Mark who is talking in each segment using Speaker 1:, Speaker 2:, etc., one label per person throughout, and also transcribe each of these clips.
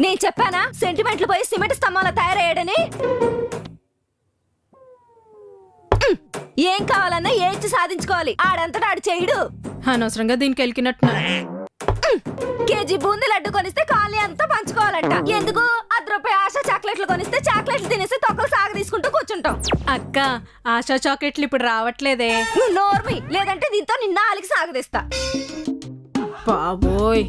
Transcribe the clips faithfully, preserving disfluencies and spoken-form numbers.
Speaker 1: నేను చెప్పానా సెంటిమెంట్లు పోయి సిమెంట్ స్తంభాల తయారయ్యాడని? ఏం కావాలన్నా ఏడ్చి సాధించుకోవాలి. ఆడంతటా ఆడు చేయడు.
Speaker 2: అనవసరంగా దీనికి వెళ్ళినట్టు.
Speaker 1: కేజీ బూందీ లడ్డు కొనిస్తే కాలనీ అంతా పంచుకోవాలంట. ఎందుకు? అర్ధ రూపాయి ఆశా చాక్లెట్లు కొనిస్తే చాక్లెట్లు తినేసి తొక్కలు సాగు తీసుకుంటూ కూర్చుంటాం.
Speaker 2: అక్క, ఆశా చాక్లెట్లు ఇప్పుడు రావట్లేదే.
Speaker 1: నువ్వు నోర్మి, లేదంటే దీంతో నిన్న ఆలికి సాగదీస్తా.
Speaker 2: బాబోయ్.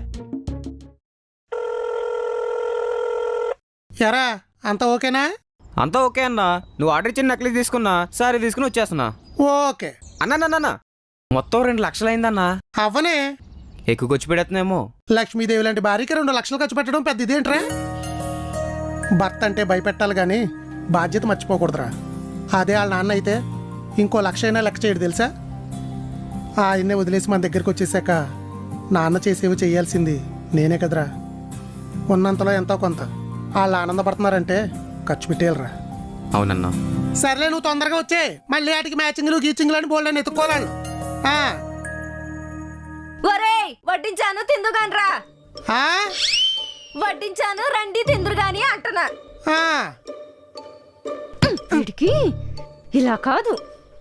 Speaker 3: ఎరా అంతా ఓకేనా?
Speaker 4: అంతా ఓకే అన్నా. నువ్వు ఆర్డర్ ఇచ్చిన నక్లీస్ తీసుకున్నా, సారీ తీసుకుని వచ్చేస్తున్నా.
Speaker 3: ఓకే
Speaker 4: అన్నా, మొత్తం రెండు లక్షలు అయిందన్నా.
Speaker 3: అవ్వనే
Speaker 4: ఎక్కువ ఖర్చు పెడుతున్నామో.
Speaker 3: లక్ష్మీదేవి లాంటి భార్యకి రెండు లక్షలు ఖర్చు పెట్టడం పెద్ద ఇదేంట్రా? భర్త అంటే భయపెట్టాలి కానీ బాధ్యత మర్చిపోకూడదురా. అదే వాళ్ళ నాన్న అయితే ఇంకో లక్ష అయినా లెక్క చేయడు తెలుసా? ఆయన్నే వదిలేసి మన దగ్గరికి వచ్చేసాక నాన్న చేసేవి చేయాల్సింది నేనే కదరా. ఉన్నంతలో ఎంతో కొంత వాళ్ళు ఆనందపడుతున్నారంటే ఖర్చు పెట్టేయాలరా.
Speaker 4: అవునన్నా.
Speaker 3: సర్లే, నువ్వు తొందరగా వచ్చే. మళ్ళీ వాటికి మ్యాచింగ్లు గీచింగ్లు అని బోల్డ్ అని ఎత్తుకోవాలి.
Speaker 1: ఒరేయ్, వడ్డించాను తిందుగానరా. వడ్డించాను రండి తిందురు గాని అంటున్నా. వీడికి ఇలా కాదు.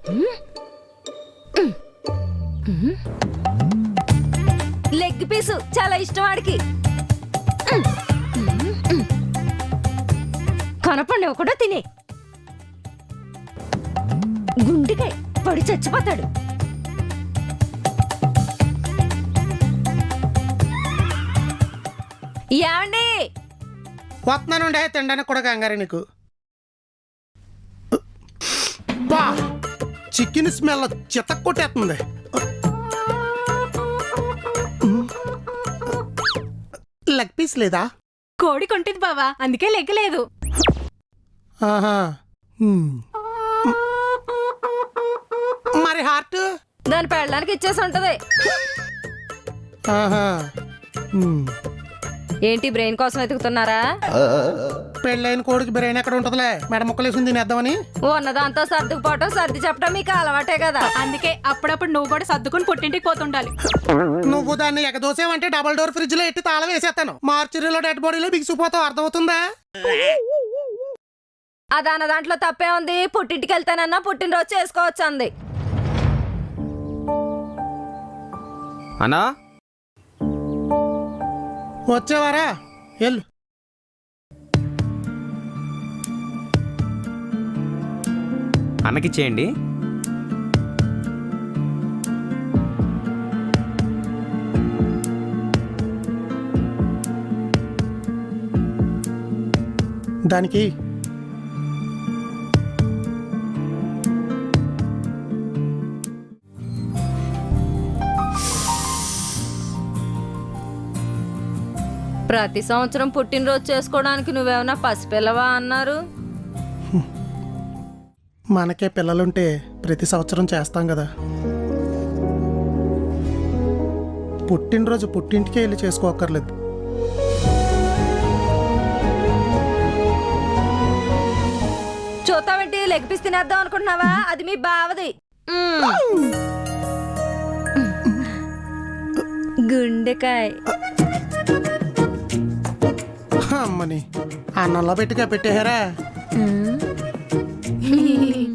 Speaker 1: లెగ్ పీసు చాలా ఇష్టం వాడికి. కనపండి కూడా తినే. గుండెకాయ పడి చచ్చిపోతాడు. ఏమండి?
Speaker 3: వస్తున్నానుండే తినడానికి కూడా కంగారు నీకు. బా, చికెన్ స్మెల్ చితక్ కొట్టేస్తుంది. లెగ్ పీస్ లేదా?
Speaker 2: కోడి కొంటిది బావా, అందుకే లెగ్గలేదు.
Speaker 3: ఆహా, మరి హార్ట్
Speaker 1: దాని పెళ్ళడానికి ఇచ్చేసి ఉంటది.
Speaker 3: ఆహా,
Speaker 1: ఏంటి బ్రెయిన్ కోసం వెతుకుతున్నారా?
Speaker 3: పెళ్ళైన కోడికి బ్రెయిన్ ఎక్కడ ఉంటదిలే, మెడ ముక్కలేసింది తినేద్దామని.
Speaker 1: ఉన్నదాంతో సర్దుకుపోవటం సర్ది చెప్పడం మీకు అలవాటే కదా.
Speaker 2: అందుకే అప్పుడప్పుడు నువ్వు కూడా సర్దుకుని పుట్టింటికి పోతుండాలి.
Speaker 3: నువ్వు దాన్ని ఎగదోసేవంటే డబల్ డోర్ ఫ్రిడ్జ్ లో ఎట్టి తాళం వేసేస్తాను. మార్చురీలో డెడ్ బాడీలో బిగిసిపోతావు. అర్థమవుతుందా?
Speaker 1: అదన్న దాంట్లో తప్పే ఉంది. పుట్టింటికి వెళ్తానన్నా పుట్టినరోజు చేసుకోవచ్చు అంది.
Speaker 4: అన్నా,
Speaker 3: వచ్చేవారా? వెళ్ళు.
Speaker 4: అన్నకిచ్చేయండి.
Speaker 3: దానికి
Speaker 1: ప్రతి సంవత్సరం పుట్టినరోజు చేసుకోవడానికి నువ్వేమన్నా పసిపిల్లవా అన్నారు?
Speaker 3: మనకే పిల్లలుంటే ప్రతి సంవత్సరం చేస్తాం కదా. పుట్టినరోజు పుట్టింటికే వెళ్ళి చేసుకోక్కర్లేదు.
Speaker 1: చూస్తావేంటి? లెగ్ పీస్ తినేద్దాం అనుకుంటున్నావా? అది మీ బావది. గుండెకాయ
Speaker 3: అమ్మని అన్నంలో పెట్టిగా పెట్టేహారా?